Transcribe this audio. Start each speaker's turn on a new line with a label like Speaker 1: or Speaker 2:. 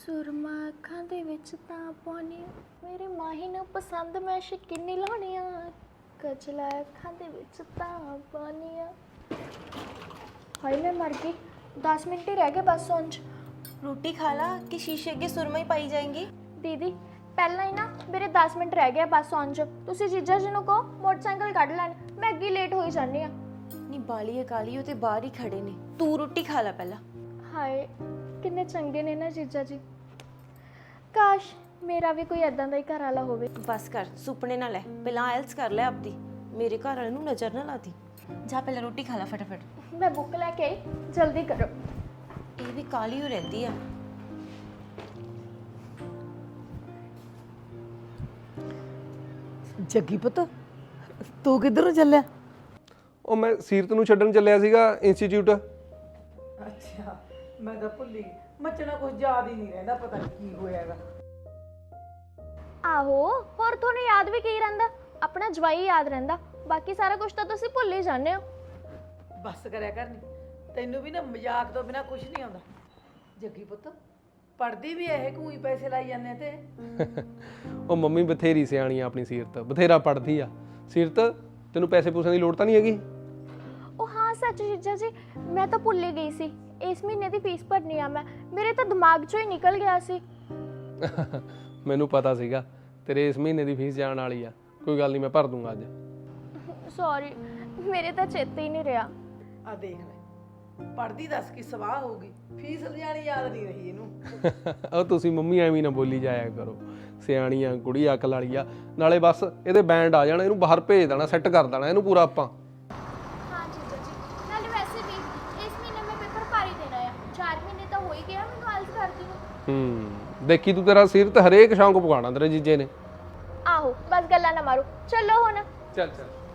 Speaker 1: ਸੁਰਮਾ ਅੱਖਾਂ ਦੇ ਵਿੱਚ ਤਾਂ ਪਾਉਣੀ ਮੇਰੇ ਮਾਹੀ ਨੂੰ ਪਸੰਦ ਮੈਂ ਸ਼ਕੀਨੀ ਲਾਉਣੀ ਆ ਕਜਲਾ ਅੱਖਾਂ ਦੇ ਵਿੱਚ ਤਾਂ ਪਾਉਣੀ ਆ ਹਾਏ ਮੈਂ ਮਰ ਗਈ 10 ਮਿੰਟ ਹੀ ਰਹਿ ਗਏ ਬਸ ਸੌਣ 'ਚ
Speaker 2: रोटी खा ला कि शीशे के सुरमा ही पाई जाएंगी।
Speaker 1: ਦੀਦੀ ਪਹਿਲਾਂ ਹੀ ਨਾ ਮੇਰੇ 10 ਮਿੰਟ ਰਹਿ ਗਏ ਬਸ ਸੌਣ 'ਚ ਤੁਸੀਂ ਜੀਜਾ ਜੀ ਨੂੰ ਕਹੋ ਮੋਟਰਸਾਈਕਲ ਕੱਢ ਲੈਣ ਮੈਂ ਅੱਗੇ ਲੇਟ ਹੋਈ ਜਾਂਦੀ ਆ
Speaker 2: नी बाली है काली वो ते बाहर ही खड़े ने तू रोटी खा ला पहला।
Speaker 1: ਹਾਏ ਕਿੰਨੇ ਚੰਗੇ ਨੇ ਨਾ ਜੀਜਾ ਜੀ ਕਾਸ਼ ਮੇਰਾ ਵੀ ਕੋਈ ਐਦਾਂ ਦਾ ਹੀ ਘਰ ਵਾਲਾ ਹੋਵੇ
Speaker 2: बस कर सुपने ना ले पहला आयल्स कर ले अपनी मेरे घर वाले नूं नजर ना लाती जा पहला रोटी खा ला फटाफट।
Speaker 1: ਮੈਂ ਬੁੱਕ ਲੈ ਕੇ ਆਈ ਜਲਦੀ ਕਰੋ
Speaker 2: ये भी काली हो रहती है।
Speaker 3: ਜੱਗੀ ਪੁੱਤ ਤੂੰ ਕਿੱਧਰ ਨੂੰ ਚੱਲਿਆ?
Speaker 4: ਉਹ ਮੈਂ ਸੀਰਤ ਨੂੰ ਛੱਡਣ ਚੱਲਿਆ ਸੀਗਾ ਇੰਸਟੀਚਿਊਟ।
Speaker 3: ਅੱਛਾ ਮੈਂ ਤਾਂ ਭੁੱਲ ਗਈ ਮੱਚਣਾ ਕੁਝ ਯਾਦ ਹੀ ਨਹੀਂ ਰਹਿੰਦਾ ਪਤਾ ਨਹੀਂ ਕੀ ਹੋਇਆਗਾ।
Speaker 1: ਆਹੋ ਹੋਰ ਤੁਹਾਨੂੰ ਯਾਦ ਵੀ ਕੀ ਰਹਿੰਦਾ ਆਪਣਾ ਜਵਾਈ ਯਾਦ ਰਹਿੰਦਾ ਬਾਕੀ ਸਾਰਾ ਕੁਝ ਤਾਂ ਤੁਸੀਂ ਭੁੱਲ ਹੀ ਜਾਂਦੇ ਹੋ
Speaker 3: ਬਸ ਕਰਿਆ ਕਰ ਨਹੀਂ ਤੈਨੂੰ ਵੀ ਨਾ ਮਜ਼ਾਕ ਤੋਂ ਬਿਨਾ ਕੁਝ ਨਹੀਂ ਆਉਂਦਾ। ਜੱਗੀ ਪੁੱਤ ਪੜਦੀ ਵੀ ਇਹ ਕੋਈ ਪੈਸੇ ਲਾਈ ਜਾਂਦੇ ਤੇ
Speaker 4: ਉਹ ਮੰਮੀ ਬਥੇਰੀ ਸਿਆਣੀ ਆ ਆਪਣੀ ਸੀਰਤ, ਬਥੇਰਾ ਪੜਦੀ ਆ। ਸੀਰਤ ਤੈਨੂੰ ਪੈਸੇ ਪੂਸਿਆਂ ਦੀ ਲੋੜ ਤਾਂ ਨਹੀਂ ਹੈਗੀ?
Speaker 1: ਉਹ ਹਾਂ ਸੱਚ ਜੀਜਾ ਜੀ ਮੈਂ ਤਾਂ ਭੁੱਲ ਹੀ ਗਈ ਸੀ ਇਸ ਮਹੀਨੇ ਦੀ ਫੀਸ ਭਰਨੀ ਆ ਮੈਂ ਮੇਰੇ ਤਾਂ ਦਿਮਾਗ 'ਚੋਂ ਹੀ ਨਿਕਲ ਗਿਆ ਸੀ
Speaker 4: ਮੈਨੂੰ ਪਤਾ ਸੀਗਾ ਤੇਰੇ ਇਸ ਮਹੀਨੇ ਦੀ ਫੀਸ ਜਾਣ ਵਾਲੀ ਆ। ਕੋਈ ਗੱਲ ਨਹੀਂ ਮੈਂ ਭਰ ਦੂੰਗਾ ਅੱਜ।
Speaker 1: ਸੌਰੀ ਮੇਰੇ ਤਾਂ ਚੇਤੇ ਹੀ ਨਹੀਂ ਰਿਹਾ
Speaker 3: ਆ ਦੇਖ ਲੈ ਪੜਦੀ ਦੱਸ ਕੀ ਸਵਾਹ ਹੋਊਗੀ ਫੀਸ ਲਿਆਣੀ ਯਾਦ ਨਹੀਂ ਰਹੀ ਇਹਨੂੰ।
Speaker 4: ਉਹ ਤੁਸੀਂ ਮੰਮੀ ਐਵੇਂ ਨਾ ਬੋਲੀ ਜਾਇਆ ਕਰੋ, ਸਿਆਣੀ ਆ ਕੁੜੀ ਅਕਲ ਵਾਲੀ ਆ। ਨਾਲੇ ਬਸ ਇਹਦੇ ਬੈਂਡ ਆ ਜਾਣਾ, ਇਹਨੂੰ ਬਾਹਰ ਭੇਜ ਦੇਣਾ, ਸੈੱਟ ਕਰ ਦੇਣਾ ਇਹਨੂੰ ਪੂਰਾ ਆਪਾਂ।
Speaker 1: ਹਾਂ ਜੀਜਾ ਜੀ ਨਾਲੇ ਵੈਸੇ ਵੀ ਇਸ ਮਹੀਨੇ ਮੈਂ ਪੇਪਰ ਭਰ ਹੀ ਦੇਣਾ ਆ 4 ਮਹੀਨੇ ਤਾਂ ਹੋ ਹੀ ਗਿਆ ਮੈਨੂੰ ਆਲਸ ਕਰਦੀ ਨੂੰ
Speaker 4: ਦੇਖੀ ਤੂੰ ਤੇਰਾ ਸੀਰਤ ਹਰੇਕ ਸ਼ੌਂਕ ਪਵਾਉਣਾ ਤੇਰੇ ਜੀਜੇ ਨੇ।
Speaker 1: ਆਹੋ ਬਸ ਗੱਲਾਂ ਨਾ ਮਾਰੋ ਚਲੋ ਹੁਣ
Speaker 4: ਚੱਲ ਚੱਲ।